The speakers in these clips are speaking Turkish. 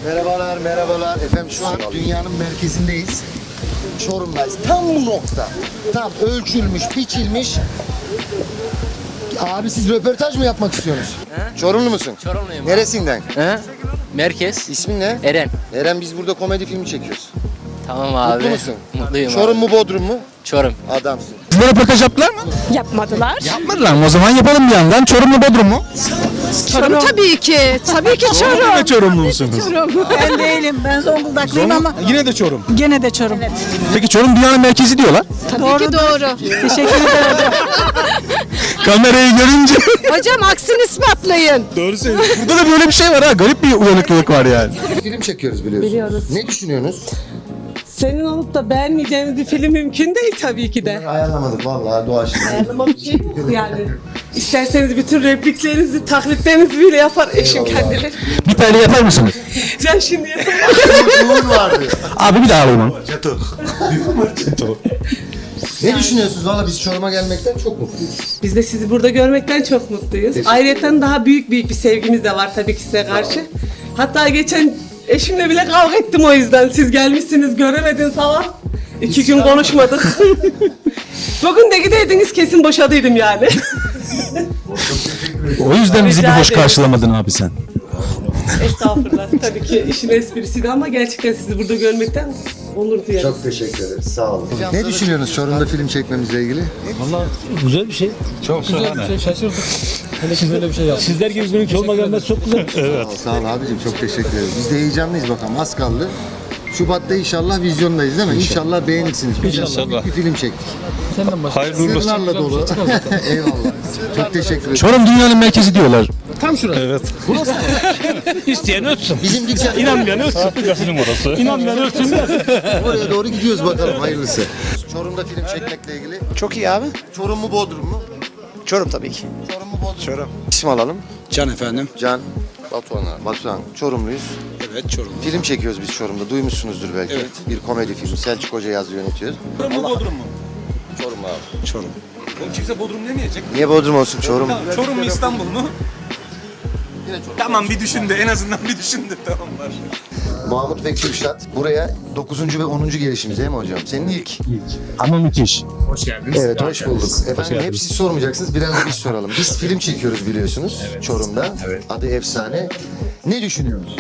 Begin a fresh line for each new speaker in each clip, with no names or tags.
Merhabalar, merhabalar. Efendim şu an dünyanın merkezindeyiz. Çorum'dayız. Tam bu nokta. Tam ölçülmüş, biçilmiş. Abi siz röportaj mı yapmak istiyorsunuz?
He?
Çorumlu musun?
Çorumluyum.
Neresinden?
He? Merkez.
İsmin ne?
Eren.
Eren, biz burada komedi filmi çekiyoruz.
Tamam abi.
Mutlu musun?
Mutluyum
Çorum
abi.
mu Bodrum mu?
Çorum.
Adamsın.
Size röportaj yaptılar mı?
Yapmadılar.
Yapmadılar mı? O zaman yapalım bir yandan. Çorum mu Bodrum mu?
Çorum tabii ki. Tabii ki Çorum.
Ve Çorumlu musunuz?
Ben değilim. Ben Zonguldaklıyım ama
Yine de Çorum.
gene de Çorum.
Peki Çorum dünyanın merkezi diyorlar.
Tabii ki doğru. Teşekkür ederim hocam.
Kamerayı görünce.
Hocam aksini ispatlayın.
Doğru söylüyorsun. Burada da böyle bir şey var ha. Garip bir uyanıklılık var yani.
Film çekiyoruz biliyorsun.
Biliyoruz.
Ne düşünüyorsunuz?
Senin olup da beğenmeyeceğimiz bir film mümkün değil tabii ki de.
Ayarlamadık vallahi doğaçlama.
Ayarlama bir şey yok yani. İsterseniz bütün repliklerinizi, taklitlerinizi bile yapar eşim kendileri.
Bir tane yapar mısınız?
Ben şimdi yapamam.
Uğur vardı.
Abi bir daha alayım onu.
Ne düşünüyorsunuz? Valla biz Çorum'a gelmekten çok mutluyuz.
Biz de sizi burada görmekten çok mutluyuz. Ayrıca daha büyük bir sevgimiz de var tabii ki size karşı. Hatta geçen eşimle bile kavga ettim o yüzden. Siz gelmişsiniz, göremedin falan. 2 gün konuşmadık. Bugün de gideydiniz kesin boşadıydım yani.
O yüzden bizi bir
Rica
hoş
ederim.
karşılamadın abi sen.
Estağfurullah. Tabii ki işin esprisiydi ama gerçekten sizi burada görmekten onur duyarım.
Çok teşekkür ederiz. Sağ olun. Ne düşünüyorsunuz Çorum'da film çekmemizle ilgili?
Valla güzel bir şey. Çok güzel bir şey. Şaşırdık. Hele ki böyle bir şey yaptık. Sizler gibi birinin Çorum'a gelmesi çok güzel. Evet.
Sağ ol abicim. Çok teşekkür ederiz. Biz de heyecanlıyız bakalım. Az kaldı. Şubat'ta inşallah vizyondayız değil mi? İnşallah beğenirsiniz.
İnşallah.
Bir film çektik.
Senden başka.
Hayırlı uğurlu olsun.
Sırlarla dolu. Eyvallah. Çok teşekkür ederim.
Çorum dünyanın merkezi diyorlar.
İsteyen ötsün.
Bizim dükkan
İnanmayan ötsün. Gasının orası. İnanmayan ötsün.
oraya doğru gidiyoruz bakalım. Hayırlısı. Çorum'da film çekmekle ilgili.
Çok iyi abi.
Çorum mu Bodrum mu?
Çorum tabii ki.
Çorum mu Bodrum? Çorum. İsim alalım.
Can efendim.
Can. Batuhan abi. Batuhan. Çorumluyuz.
Evet Çorum.
Film çekiyoruz biz Çorum'da. Duymuşsunuzdur belki.
Evet.
Bir komedi filmi. Selçuk Hoca yazıyor, yönetiyor.
Çorum mu Bodrum mu?
Çorum abi.
Çorum.
Oğlum kimse Bodrum demeyecek.
Niye Bodrum olsun? Çorum.
Çorum mu İstanbul mu? Tamam bir düşün de en azından bir düşün de tamam var.
Mahmut ve Kürşat. Buraya 9. ve 10. gelişimiz değil mi hocam? Senin ilk.
Ama müthiş.
Evet, hoş bulduk. Efendim hep siz sormayacaksınız, biraz da biz soralım. Biz film çekiyoruz biliyorsunuz Çorum'da. Adı Efsane. Ne düşünüyorsunuz?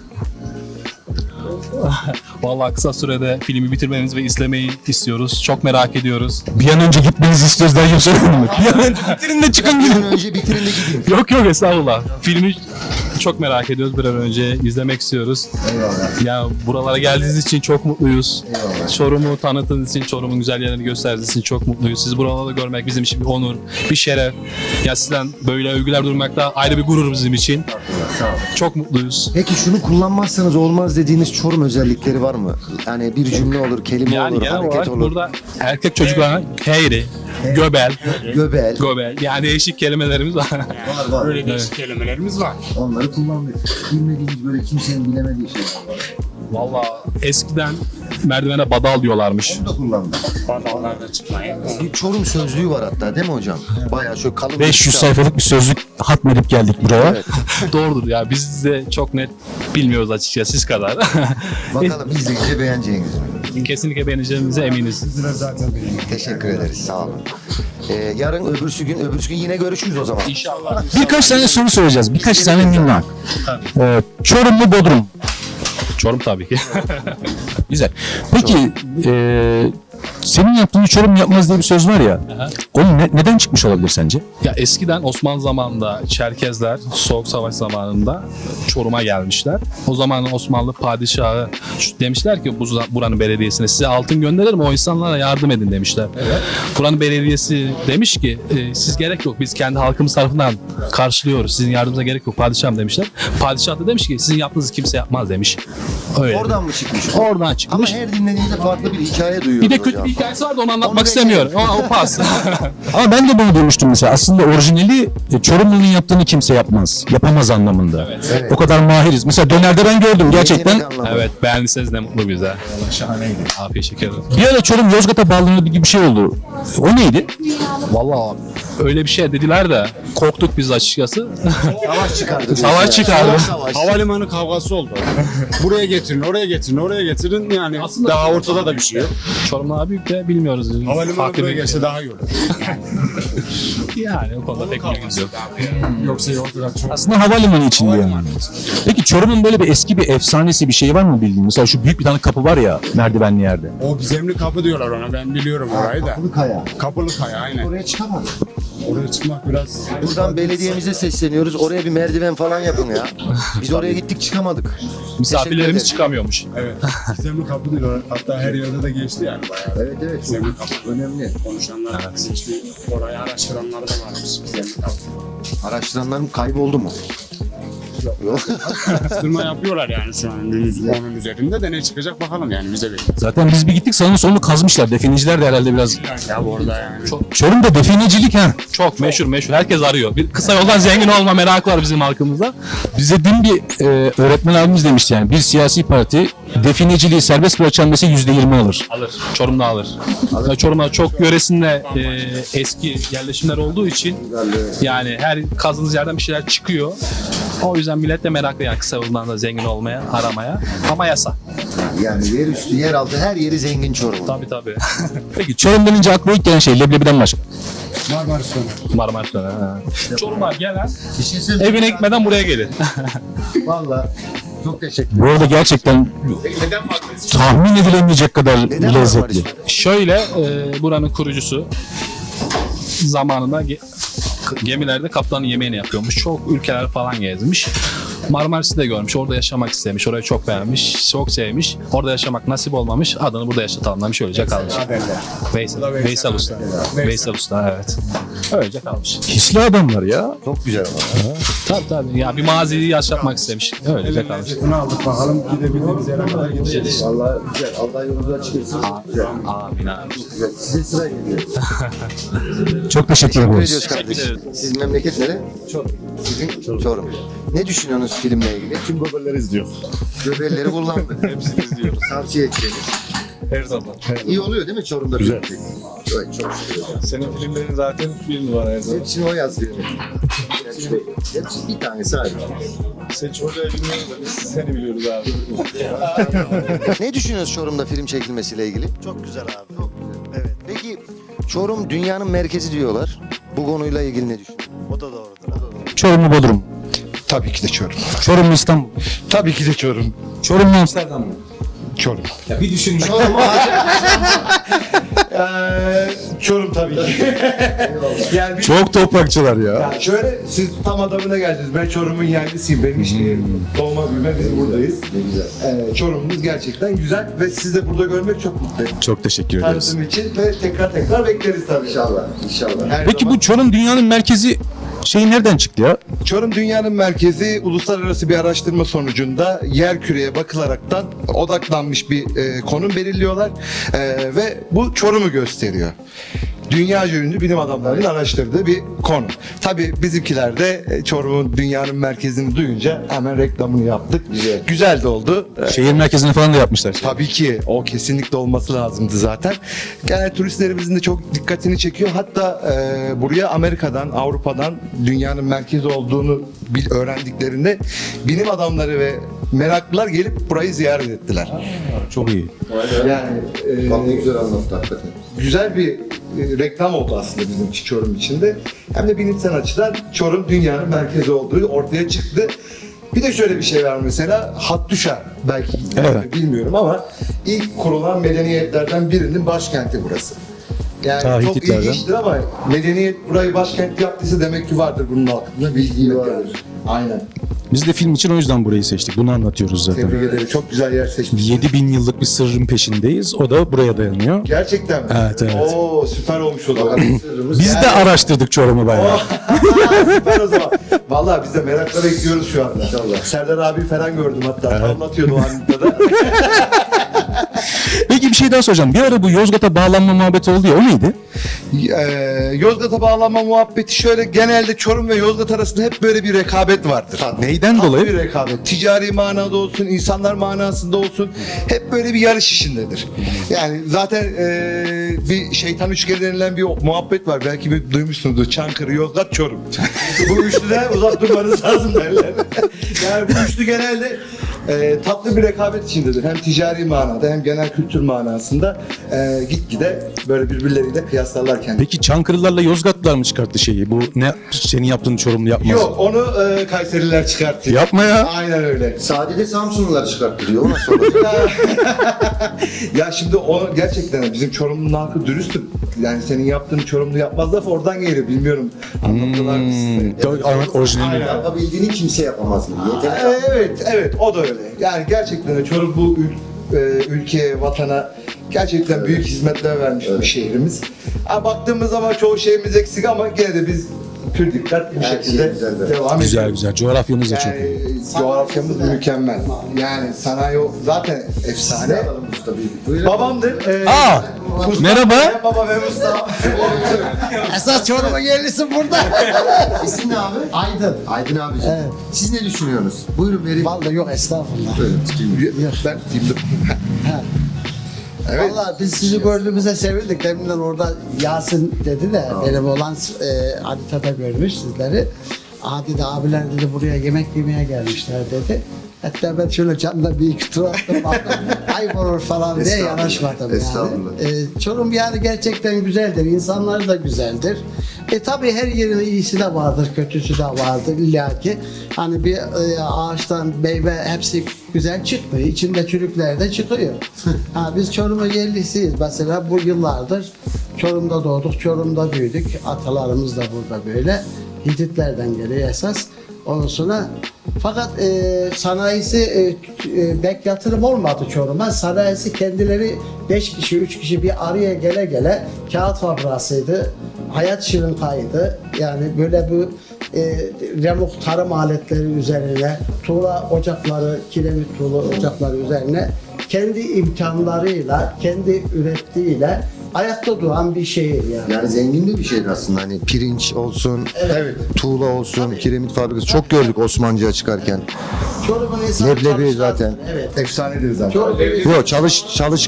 Vallahi kısa sürede filmi bitirmenizi ve izlemeyi istiyoruz. Çok merak ediyoruz.
Bir an önce gitmenizi istiyoruz daha söylemedim mi? Bir an önce bitirin de çıkın
Bir
gidin.
an önce bitirin de gideyim.
Yok yok estağfurullah. Filmi çok merak ediyoruz. Bir an önce izlemek istiyoruz.
Eyvallah.
Ya buralara geldiğiniz için çok mutluyuz.
Eyvallah.
Çorum'u tanıttığınız için, Çorum'un güzel yerlerini gösterdiğiniz için çok mutluyuz. Sizi buralarda görmek bizim için bir onur, bir şeref. Ya sizden böyle övgüler duymak da ayrı bir gurur bizim için.
Sağ olun.
Çok mutluyuz.
Peki şunu kullanmazsanız olmaz dediğiniz Çorum özellikleri var mı? Yani bir cümle olur, kelime
Yani
olur,
genel
hareket
olarak
olur.
burada erkek çocuklarına heyri, göbel,
Göbel.
göbel yani değişik kelimelerimiz var.
Var.
Böyle değişik kelimelerimiz var.
Onları kullandık. Bilmediğimiz böyle kimsenin bilemediği şey.
Valla eskiden merdivene badal diyorlarmış.
Onu da kullandık.
Badallarda çıkmayı.
Bir Çorum sözlüğü var hatta değil mi hocam? Bayağı şöyle kalın.
500 sayfalık bir sözlük hatmedip geldik buraya.
Evet.
Doğrudur ya biz de çok net bilmiyoruz açıkçası siz kadar.
Bakalım izleyince beğeneceğiniz mi?
Kesinlikle beğeneceğimize eminiz.
Teşekkür ederiz. Sağ olun. Yarın öbürsü gün yine görüşürüz o zaman.
İnşallah.
Birkaç tane soru soracağız. Birkaç tane minnak. Çorum mu Bodrum mu?
Çorum tabii ki.
Güzel. Peki senin yaptığın Çorum yapmaz diye bir söz var ya.
Aha.
Onun neden çıkmış olabilir sence?
Ya eskiden Osmanlı zamanında Çerkezler Soğuk Savaş zamanında Çorum'a gelmişler. O zaman Osmanlı padişahı demişler ki buranın belediyesine size altın gönderirim o insanlara yardım edin demişler. Evet. Buranın belediyesi demiş ki siz gerek yok biz kendi halkımız tarafından karşılıyoruz. Sizin yardımınıza gerek yok padişahım demişler. Padişah da demiş ki sizin yaptığınızı kimse yapmaz demiş. Öyle.
Oradan mı çıkmış?
Oradan
Ama
çıkmış.
her dinlediğinizde farklı bir hikaye duyuyoruz
Bir de kötü
hocam.
bir hikayesi vardı onu anlatmak
Onu
istemiyorum. O pas.
Ama ben de bunu duymuştum mesela. Aslında orijinali Çorumlu'nun yaptığını kimse yapmaz. Yapamaz anlamında.
Evet.
O kadar mahiriz. Mesela dönerde ben gördüm gerçekten.
Yetenek anlamında.
Evet beğendiyseniz ne mutlu bize. Şahaneydi. Afiyet şeker olsun.
Bir ara Çorum Yozgat'a bağlanıyor gibi bir şey oldu. O neydi?
Valla öyle bir şey dediler de korktuk biz açıkçası.
Savaş çıkardı.
Savaş çıkardı.
Savaş.
Havalimanı kavgası oldu. Buraya getirin, oraya getirin, oraya getirin. Yani daha ortada da bir şey yok.
Çorum daha büyük de bilmiyoruz.
Havalimanı
Farklı
buraya
bir
gelse daha iyi olur.
yani o konuda pek bilgimiz yok.
Yoksa yolcular çok...
Aslında havalimanı içinde yani. Peki Çorum'un böyle bir eski bir efsanesi bir şey var mı bildiğin? Mesela şu büyük bir tane kapı var ya merdivenli yerde.
O gizemli kapı diyorlar ona. Ben biliyorum orayı da.
Kapılı Kaya.
Kapılı Kaya aynen.
Oraya çıkamadık.
Oraya çıkmak biraz...
Buradan belediyemize sesleniyoruz. Oraya bir merdiven falan yapın ya. Biz oraya gittik çıkamadık.
Misafirlerimiz
Teşekkür
çıkamıyormuş.
Evet. Gizemli kapı diyorlar. Hatta her yerde de geçti yani bayağı.
Evet evet.
Gizemli kapı.
Önemli.
Konuşanlar, işte orayı araştıranlar da varmış. Gizemli kapı.
Araştıranlarım kayboldu mu? Yok.
Araştırma yapıyorlar yani şu an onun üzerinde de ne çıkacak bakalım yani bize bir.
Zaten biz bir gittik sağını solunu kazmışlar. Defineciler de herhalde biraz.
Ya orada yani.
Çorum'da definecilik ha.
Çok meşhur. Herkes arıyor. Bir kısa yoldan zengin olma merakı var bizim halkımızda.
Bize dün bir öğretmen abimiz demişti yani bir siyasi parti defineciliği serbest bırakacağım dese %20 alır.
Alır. Çorum'da alır. Yani Çorum'da çok yöresinde eski yerleşimler olduğu için yani her kazdığınız yerden bir şeyler çıkıyor. O yüzden millet de meraklı yani kısa yoldan da zengin olmaya, aramaya. Ama yasa.
Yani yer üstü, yer altı her yeri zengin Çorum.
Tabii.
Peki Çorum denince akla ilk gelen şey leblebiden başka.
Marmaris Döner.
Marmaris Döner. Çorum'a gelen
Bir şey söyleyeyim.
evine gitmeden buraya gelin.
Valla çok teşekkür
Bu arada gerçekten tahmin edilemeyecek kadar
Neden
lezzetli.
Marmaris?
Şöyle buranın kurucusu zamanında gemilerde kaptanın yemeğini yapıyormuş. Çok ülkeler falan gezmiş. Marmaris'i de görmüş. Orada yaşamak istemiş. Orayı çok beğenmiş. Çok sevmiş. Orada yaşamak nasip olmamış. Adını burada yaşatalım demiş. Öylece kalmış. Veysel Usta. Veysel Usta evet. Öylece kalmış.
Hisli adamlar ya.
Çok güzel ama.
Tabii. Ya bir maziyi yaşatmak istemiş. Öylece kalmış.
Bunu aldık bakalım gidebildiğimiz yere kadar gideceğiz.
Valla güzel. Allah yolunuzu açık etsin. Güzel.
Amin abi.
Güzel. Size sıra geliyor.
Çok teşekkür
Teşekkür
ederiz.
ediyoruz kardeşim. Sizin memleket nere? Çorum. Sizin Çorum. Ne düşünüyorsunuz filmle ilgili?
Tüm goberleri izliyor.
Göbelleri kullandık.
Hepsini izliyor.
Tavsiye edeceğiz.
Her zaman.
İyi oluyor değil mi Çorum'da?
Güzel.
film? Evet çok şükür.
Senin filmlerin zaten bir numara her zaman.
Hepsini o yazdı. Hepsi bir tanesi ayrı.
Sen çocuğa bilmiyoruz da biz seni biliyoruz abi.
Ne düşünüyorsunuz Çorum'da film çekilmesiyle ilgili?
Çok güzel abi. Evet.
Peki Çorum dünyanın merkezi diyorlar. Bu konuyla ilgili ne düşünüyorsun?
O da doğrudur abi.
Çorum mu Bodrum?
Tabii ki de Çorum.
Çorum mu İstanbul?
Tabii ki de Çorum.
Çorum mu Amsterdam mı?
Çorum.
Ya bir düşün.
Çorum
Çorum tabii ki. Yani
Çok toprakçılar ya.
ya şöyle siz tam adamına geldiniz. Ben Çorum'un yerlisiyim. Benim işte doğma büyüme biz buradayız. Çorum'umuz gerçekten güzel ve sizi de burada görmek çok mutlu.
Çok teşekkür ederiz.
Tanıtım için ve tekrar bekleriz tabii.
İnşallah. İnşallah.
Her
Peki
zaman.
bu Çorum dünyanın merkezi şey nereden çıktı ya?
Çorum dünyanın merkezi uluslararası bir araştırma sonucunda yer küreye bakılaraktan odaklanmış bir konum belirliyorlar ve bu Çorum'u gösteriyor. Dünyaca ünlü bilim adamlarının araştırdığı bir konu. Tabii bizimkiler de Çorum'un dünyanın merkezini duyunca hemen reklamını yaptık. Güzel de oldu.
Şehir merkezini falan da yapmışlar.
Tabii ki o kesinlikle olması lazımdı zaten. Genel turistlerimizin de çok dikkatini çekiyor. Hatta buraya Amerika'dan, Avrupa'dan dünyanın merkezi olduğunu öğrendiklerinde bilim adamları ve meraklılar gelip burayı ziyaret ettiler.
Çok iyi.
Yani
Bak ne güzel anlattı hakikaten.
güzel bir reklam oldu aslında bizim için Çorum için de. Hem de bilimsel açıdan Çorum dünyanın merkezi olduğu ortaya çıktı. Bir de şöyle bir şey var mesela, Hattuşa belki
Evet.
bilmiyorum ama ilk kurulan medeniyetlerden birinin başkenti burası. Yani
Ta
çok
Hititlerden.
ilginçtir ama medeniyet burayı başkent yaptıysa demek ki vardır bunun altında bilgi vardır. Aynen.
Biz de film için o yüzden burayı seçtik. Bunu anlatıyoruz zaten.
Tebrik ederim. Çok güzel yer seçmişsiniz.
7000 yıllık bir sırrın peşindeyiz. O da buraya dayanıyor.
Gerçekten mi?
Evet.
Oo süper olmuş o zaman.
Biz de araştırdık Çorum'u bayağı.
Süper o zaman. Vallahi biz de merakla bekliyoruz şu anda. İnşallah. Serdar abi falan gördüm hatta. Anlatıyordu o anında da.
Peki bir şey daha soracağım. Bir ara bu Yozgat'a bağlanma muhabbeti oldu ya, o neydi?
Yozgat'a bağlanma muhabbeti şöyle, genelde Çorum ve Yozgat arasında hep böyle bir rekabet vardır.
Neyden
Tatlı
dolayı?
bir rekabet. Ticari manada olsun, insanlar manasında olsun. Hep böyle bir yarış işindedir. Yani zaten bir şeytan üçgeni denilen bir muhabbet var. Belki bir duymuşsunuzdur. Çankırı, Yozgat, Çorum. Bu üçlüden uzak durmanız lazım derler. Yani bu üçlü genelde tatlı bir rekabet içindedir. Hem ticari manada hem genel kültür manasında gitgide böyle birbirleriyle kıyaslarlar kendini.
Peki Çankırılarla Yozgatlılar mı çıkarttı şeyi? Bu ne senin yaptığın Çorumlu yapmaz?
Yok, onu Kayseriler çıkarttı.
Yapma ya.
Aynen öyle.
Sadece Samsunlular çıkarttırıyor. O nasıl olacak?
Ya şimdi o gerçekten bizim Çorumlu'nun halkı dürüstüm. Yani senin yaptığın Çorumlu yapmaz laf oradan geliyor. Bilmiyorum. Anlattılar mı size?
Orijinali.
Yapabildiğini kimse yapamaz gibi.
Evet, o da öyle. Yani gerçekten de Çorum bu ülkeye, vatana gerçekten büyük hizmetler vermiş bir şehrimiz. Ha, baktığımız zaman çoğu şeyimiz eksik ama gene de biz pür dikkat bu şekilde devam
Güzel
ediyoruz.
güzel. Coğrafyamız da çok iyi.
Yani coğrafyamız mükemmel. Yani sanayi zaten efsane. Babamdır.
Merhaba.
Baba ve Mustafa.
Esas Çorum'a yerlisi burada. İsim ne abi? Aydın. Aydın abiciğim. Evet. Siz ne düşünüyorsunuz? Buyurun verin.
Vallahi yok estağfurullah.
Ben timdim.
Evet. Vallahi biz sizi gördüğümüzde sevindik. Deminden orada Yasin dedi de benim olan haritada görmüş sizleri. Adi de abiler dedi buraya yemek yemeye gelmişler dedi. Hatta ben şöyle camda bir iki tur attım. Ayıp olur falan diye yanaşmadım yani. Çorum yani gerçekten güzeldir. İnsanları da güzeldir. Tabii her yerin iyisi de vardır, kötüsü de vardır illaki. Hani bir ağaçtan meyve hepsi güzel çıkmıyor. İçinde çürükler de çıkıyor. Biz Çorum'un yerlisiyiz. Mesela bu yıllardır Çorum'da doğduk, Çorum'da büyüdük. Atalarımız da burada böyle. Hititlerden geliyor esas. Ondan sonra fakat sanayisi pek yatırım olmadı Çorum'a. Sanayisi kendileri 5 kişi, 3 kişi bir araya gele gele kağıt fabrikasıydı. Hayat şirinkaydı. Yani böyle bu remuk tarım aletleri üzerine, tuğla ocakları, kiremit tuğla ocakları üzerine kendi imkanlarıyla, kendi ürettiğiyle ayakta duran bir şehir yani.
Yani zengin de bir şehir aslında. Hani pirinç olsun, tuğla olsun, kiremit fabrikası. Çok gördük Osmancı'ya çıkarken.
Çorum'un insanı
Leblebi
çalışkan.
zaten.
Evet.
Efsanedir zaten.
Yok çalış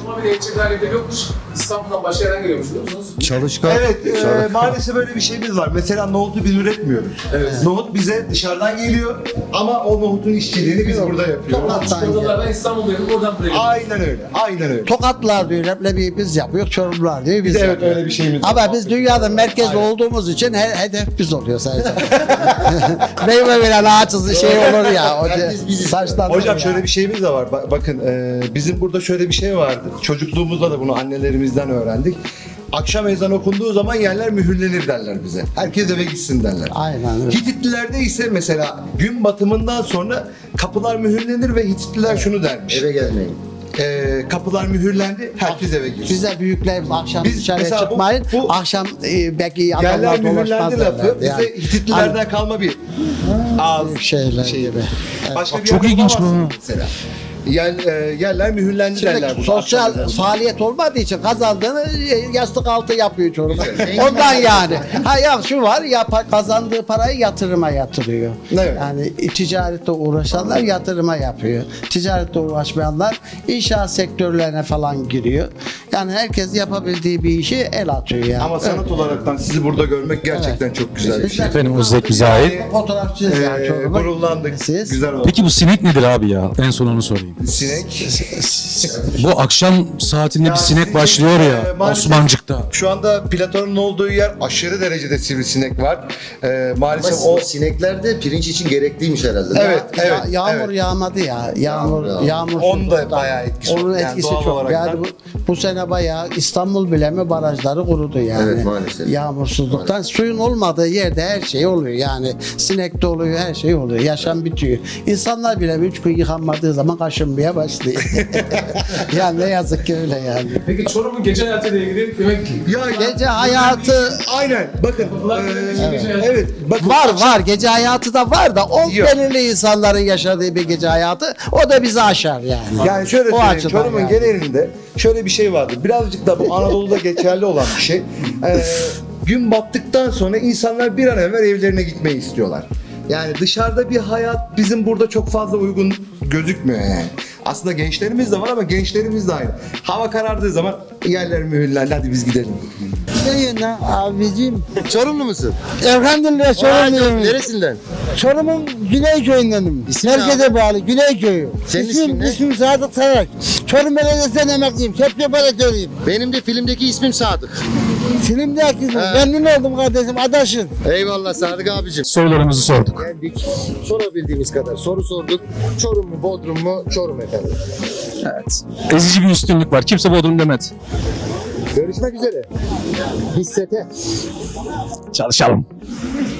İstanbul'dan başka yerden geliyormuş biliyor musunuz?
çalışkan.
Evet, maalesef böyle bir şeyimiz var. Mesela nohutu biz üretmiyoruz. Nohut bize dışarıdan geliyor ama o nohutun işçiliğini biz burada yapıyoruz.
Ben İstanbul'daydım oradan buraya geldim.
Aynen öyle, aynen öyle.
Tokatlar diyor, leblebi biz yapıyoruz, Çorumlar diyor, biz
Biz evet
yapıyoruz.
öyle bir şeyimiz var.
Ama biz dünyanın merkezi olduğumuz için hedef biz oluyor sadece. Meyve veren ağaçsız şey olur ya. Saçtan
Hocam şöyle bir şeyimiz de var. Bakın bizim burada şöyle bir şey vardı. Çocukluğumuzda da bunu annelerimizden öğrendik. Akşam ezan okunduğu zaman yerler mühürlenir derler bize. Herkes eve gitsin derler.
Aynen öyle.
Hititlilerde ise mesela gün batımından sonra kapılar mühürlenir ve Hititliler şunu dermiş.
Eve gelmeyin.
Kapılar mühürlendi, herkes eve girsin.
Bize büyüklerimiz akşam
Biz
dışarıya
mesela
çıkmayın.
bu
akşam belki
Yerler
adamlar dolaşmaz
mühürlendi lafı
derlerdi.
bize Hititlilerden kalma bir ağız
Şeyler
şey.
gibi.
Başka bir
Çok
yerde
ilginç bu.
bulamazsın mesela. Yerler mühürlendi derler.
Şimdi
burada.
sosyal faaliyet olmadığı için kazandığını yastık altı yapıyor Çorum. Ondan yani. Ha ya şu var ya kazandığı parayı yatırıma yatırıyor.
Evet.
Yani ticarette uğraşanlar yatırıma yapıyor. Ticarette uğraşmayanlar inşaat sektörlerine falan giriyor. Yani herkes yapabildiği bir işi el atıyor yani.
Ama sanat olaraktan sizi burada görmek gerçekten çok güzel bir şey.
Efendim o zevk bize ait.
Fotoğrafçıyız yani Çorum'da.
Gururlandık.
Siz?
Güzel oldu.
Peki bu sinek nedir abi ya? En son onu sorayım.
Sinek.
Bu akşam saatinde bir sinek başlıyor ya
maalesef
Osmancık'ta.
Şu anda Platon'un olduğu yer aşırı derecede sivrisinek var. Maalesef
Ama
o
sinekler de pirinç için gerekliymiş herhalde.
Evet, evet.
Yağmur
evet.
yağmadı ya. Yağmur
Onun da bayağı etkisi
Onun
var. Yani
etkisi
doğal
çok.
olarak
Yani
da-
bu sene sene bayağı İstanbul bile mi barajları kurudu yani.
Evet, maalesef.
Yağmursuzluktan suyun olmadığı yerde her şey oluyor yani. Sinek de oluyor, her şey oluyor. Yaşam bitiyor. İnsanlar bile 3 gün yıkanmadığı zaman kaşınmaya başlıyor. Yani ne yazık ki öyle yani.
Peki Çorum'un gece hayatıyla ilgili demek ki
Gece hayatı
Aynen. Bakın. Evet. Bakın.
var. Gece hayatı da var da o
Yok.
belirli insanların yaşadığı bir gece hayatı o da bizi aşar yani.
Yani şöyle
O
söyleyeyim,
açıdan
Çorum'un
yani.
genelinde şöyle bir şey vardır. Birazcık da bu Anadolu'da geçerli olan bir şey. Gün battıktan sonra insanlar bir an evvel evlerine gitmeyi istiyorlar. Yani dışarıda bir hayat bizim burada çok fazla uygun gözükmüyor yani. Aslında gençlerimiz de var ama gençlerimiz de aynı. Hava karardığı zaman yerler mühürlendi, hadi biz gidelim.
Ne abicim?
Çorumlu musun?
Elhamdülillah Çorumluyum.
Neresinden?
Çorum'un Güney köyündenim.
İsmin ne
Merkeze bağlı Güney köyü.
Senin ismin ne?
İsmim Sadık Tarak. Çorum Belediyesi'nden emekliyim. Kepçe operatörüyüm.
Benim de filmdeki ismim Sadık.
Filmdeki memnun oldum kardeşim. Adaşın.
Eyvallah Sadık abicim.
sorularımızı sorduk.
Geldik. Sorabildiğimiz kadar soru sorduk. Çorum mu, Bodrum mu? Çorum efendim.
Evet. Ezici bir üstünlük var. Kimse Bodrum demedi.
Görüşmek üzere. Hissete.
Çalışalım.